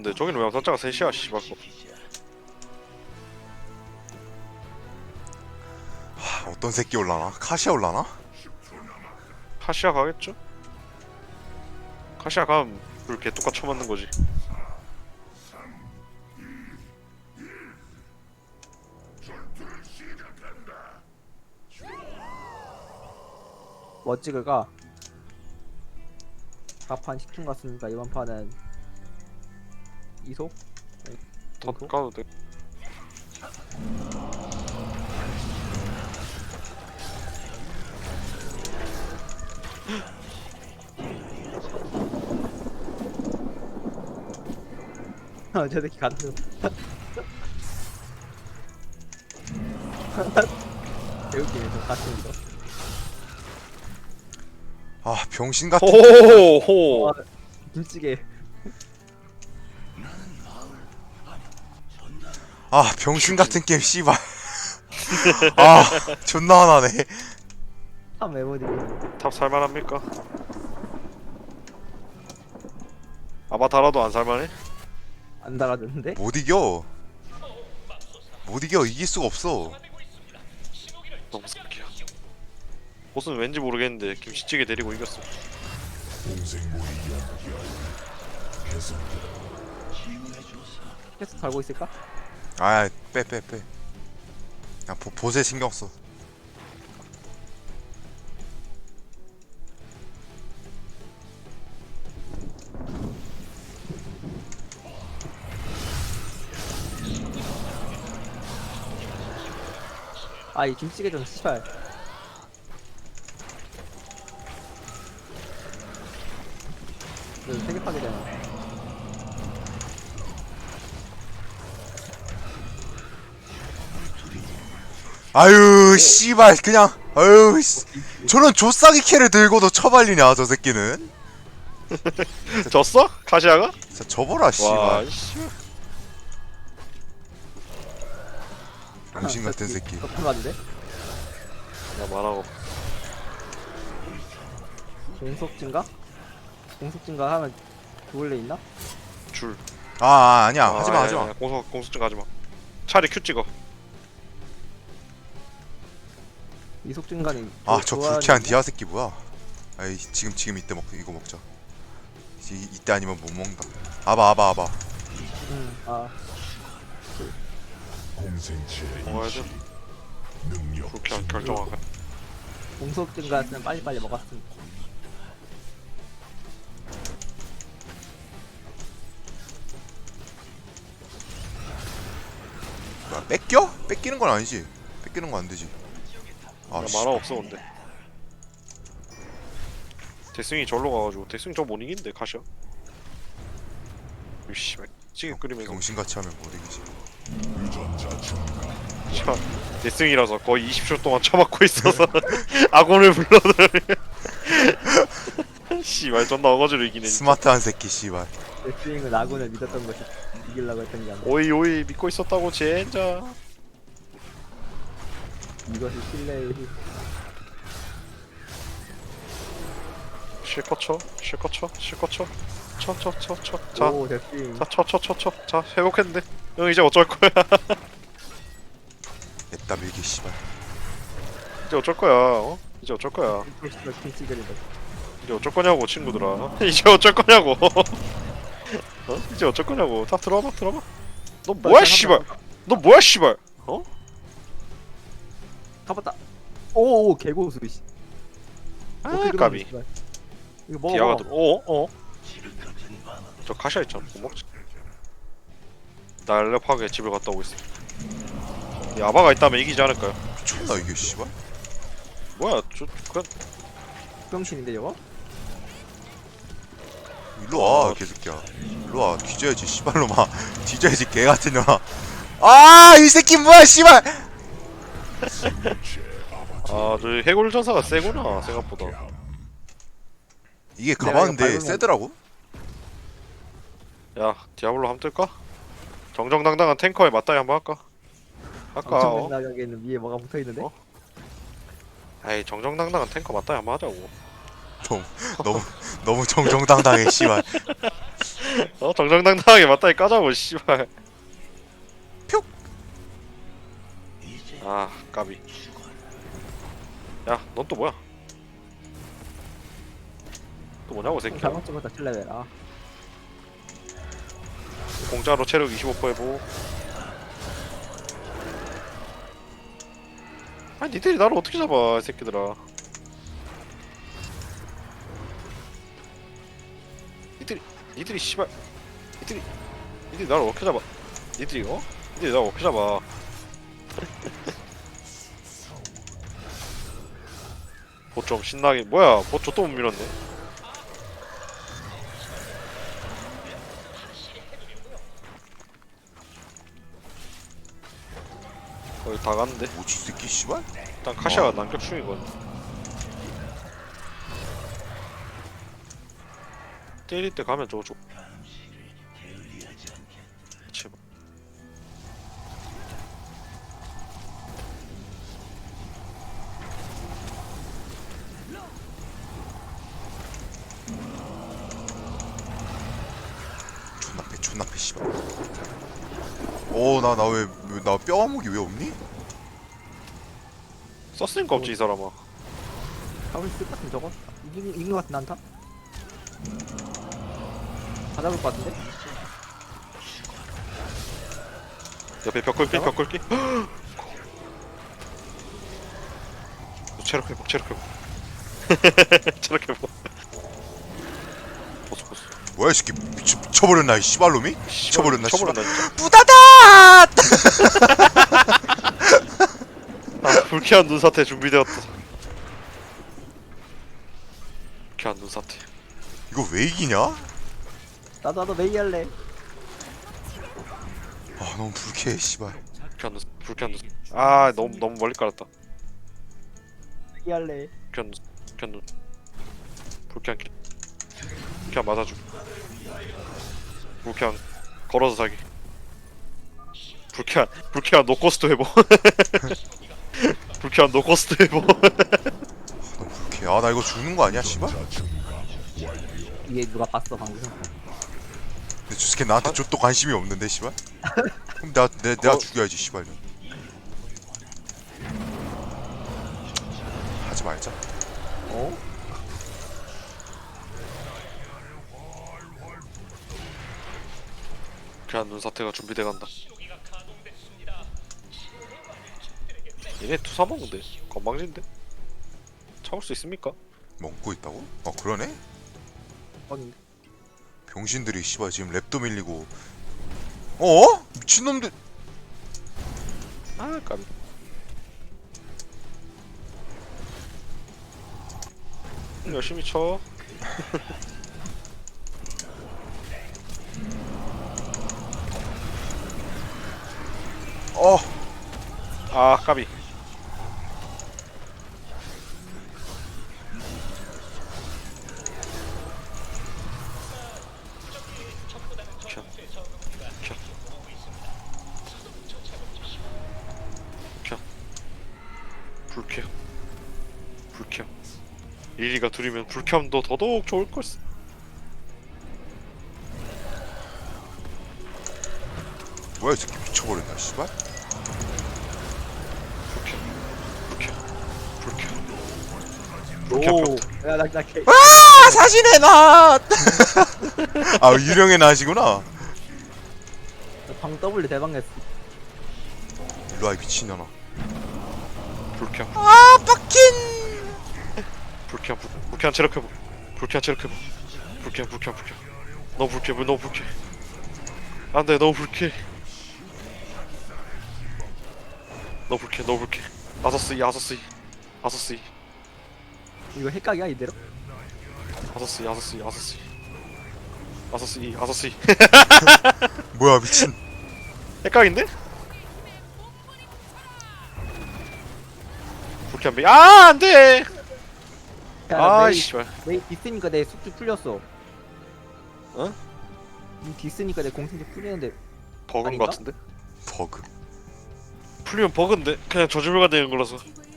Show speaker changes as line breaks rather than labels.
올라왔는데 저기는 왜 암살자가 셋이야 씨발.
어떤 새끼 올라나? 카시아 올라나?
카시아 가겠죠? 카시아 가면 불 개똑같 쳐맞는 거지.
뭐 찍을까? 가판 10중 갔으니까 이번 판은 이속?
더 가도 돼.
저 새끼 간다. 개웃기네 저 같은 거.
아 병신 같은.
호호호.
와, 김치게.
아 병신 같은 게임 씨발. 아 존나 화나네.
참 메모리고.
탑 살만합니까? 아바타라도 안 살만해?
안 달아줬는데?
못 이겨. 못 이겨. 이길 수가 없어.
너무 새끼야. 보스는 왠지 모르겠는데 김치찌개 데리고 이겼어.
계속 달고 있을까?
아 빼. 그냥 보세 신경 써.
아 이 김치게 좀 씨발. 세개 파게 되네.
아유 씨발 그냥 아유 씨. 저런 조싸기 캐를 들고도 처발리냐 저 새끼는.
졌어? 카시아가?
진짜 접어라
와
씨발.
씨.
병신 같은 새끼.
덕분 맞는데?
야 말하고.
공속 증가? 공속 증가 하면 그걸래 있나?
줄.
아니야 하지마.
공수증 가지마. 차라리 Q 찍어.
이속 증가는
아 저 불쾌한 디아 새끼 뭐야? 아이 지금 이때 이거 먹자. 이때 아니면 못 먹는다. 아바.
아
먹어야 돼. 그렇게 결정하게.
공속 증가였으면 빨리빨리 먹었음.
뭐야 뺏겨? 뺏기는 건 아니지. 뺏기는 건 안 되지. 아
야,
씨.
만화 없어 근데. 대승이 절로 가가지고 대승이 저 못 이긴데 카시아. 이씨 찌개 끓이면서.
병신같이 하면 못 이기지.
자, 대승이라서 거의 20초 동안 처맞고 있어서 악원을 불러들으면 씨발 존나 어거지로 이기네 진짜.
스마트한 새끼 씨발.
레슬링은 아군을 믿었던 것이 이기려고 했던 게 아니라
오이 믿고 있었다고 젠자.
이것이 신뢰의 힘.
실컷 쳐. 자,
오 레슬링.
자 회복했는데. 형 이제 어쩔 거야?
냅다 밀기 씨발.
이제 어쩔 거야? 어? 이제 어쩔 거야?
김치게리다.
이제 어쩔 거냐고 친구들아. 이제 어쩔 거냐고. 어? 이제 어쩔 거냐고. 다 들어봐. 너 뭐야 씨발? 너 뭐야 씨발? 어?
가봤다. 오 개고수 씨.
아
어떻게
까비.
그러는 거야, 이거 먹어.
디아가
먹어.
들어. 어? 저 카시아 있잖아. 못 먹지. 날렵하게 집을 갔다 오고 있어. 야바가 있다면 이기지 않을까요?
미쳤나 이게 씨발.
뭐야? 저 그냥
병신인데 저거?
일로 와 개새끼야. 일로 와 뒤져야지 씨발로마. 뒤져야지 개 같은 년아. 아 이 새끼 뭐야 씨발.
저 해골 전사가 세구나 생각보다.
이게
내가
가봤는데
이거 밟으면-
세더라고.
야 디아블로 한번 뜰까? 정정당당한 탱커에 맞다이 한번 할까? 할까?
엄청 나가게는 위에 뭐가 붙어 있는데?
어? 아이 정정당당한 탱커 맞다이 한번 하자고.
너무 정정당당해 씨발.
정정당당하게 맞다이 까자고 씨발.
표.
아 까비. 야 넌 또 뭐야? 또 뭐냐고 새끼야.
잘못 찍었다 7레벨. 아
공짜로 체력 25% 해보. 아니 니들이 나를 어떻게 잡아 이 새끼들아. 니들이 씨발 니들이 나를 어떻게 잡아. 니들이 나를 어떻게 잡아. 보 좀 신나게. 뭐야 보초 또 못 밀었네. 거의 다 갔는데.
뭐지 이 새끼 씨발?
일단 카시아가 난격 중이거든. 때릴 때 가면 저거 제발.
존나 패 씨발. 나 왜 나 뼈아목이 왜 없니?
썼으니까 없지 이 사람아.
잡을 수 있을 것 같은 저거. 이긴 것 같은 난타. 다 잡을 것 같은데.
옆에 벽걸기. 체력 회복. 체력 회복. 보스.
뭐야 이 새끼 미쳐버렸나 이 씨발놈이? 미쳐버렸나 씨발.
진짜.
부다다!
아 불쾌한 눈사태 준비되었다. 불쾌한 눈사태.
이거 왜 이기냐?
나도 메이 할래.
아 너무 불쾌해 씨발.
불쾌한 눈. 아 너무 멀리 깔았다.
메이 할래.
불쾌한 눈. 불쾌한 맞아줘. 불쾌한 걸어서 자기. 불쾌한 노코스트 회복. 불쾌한 노코스트 회복.
너무 불쾌해. 나 이거 죽는 거 아니야 씨발?
이게 누가 봤어 방금.
근데 저 새끼 나한테 좀 또 관심이 없는데 씨발? 그럼 내가 죽여야지 씨발. 하지 말자.
불쾌한 눈사태가 준비돼 간다. 얘네 투사 먹는데 건방진데? 참을 수 있습니까?
먹고 있다고? 그러네?
아니
병신들이 씨발 지금 랩도 밀리고. 미친놈들.
아 까비. 열심히 쳐. 아 까비. 불쾌. 리리가 둘이면 불쾌함도 더더욱 좋을 걸세.
뭐야 이 새끼 미쳐버렸나 씨발?
불쾌.
오. 야나 개.
사신의 낫! 유령의 낫이구나.
방 W 대박 냈어.
일로와 이 미친년아.
불쾌함.
빡킨!
불쾌한 체력 회복. 불쾌한. 너무 불쾌. 안돼 너무 불쾌. 아서스이.
이거 핵각이야 이대로?
아서스이.
뭐야 미친.
헷갈린데? 불쾌한 메이. 아 안돼. 아 씨발.
메이 디스니까 내 숙주 풀렸어.
어?
이 디스니까 내 공식이 풀리는데
버그인
아닌가?
것 같은데?
버그.
풀리면 버그인데 그냥 저주물가 되는 거라서.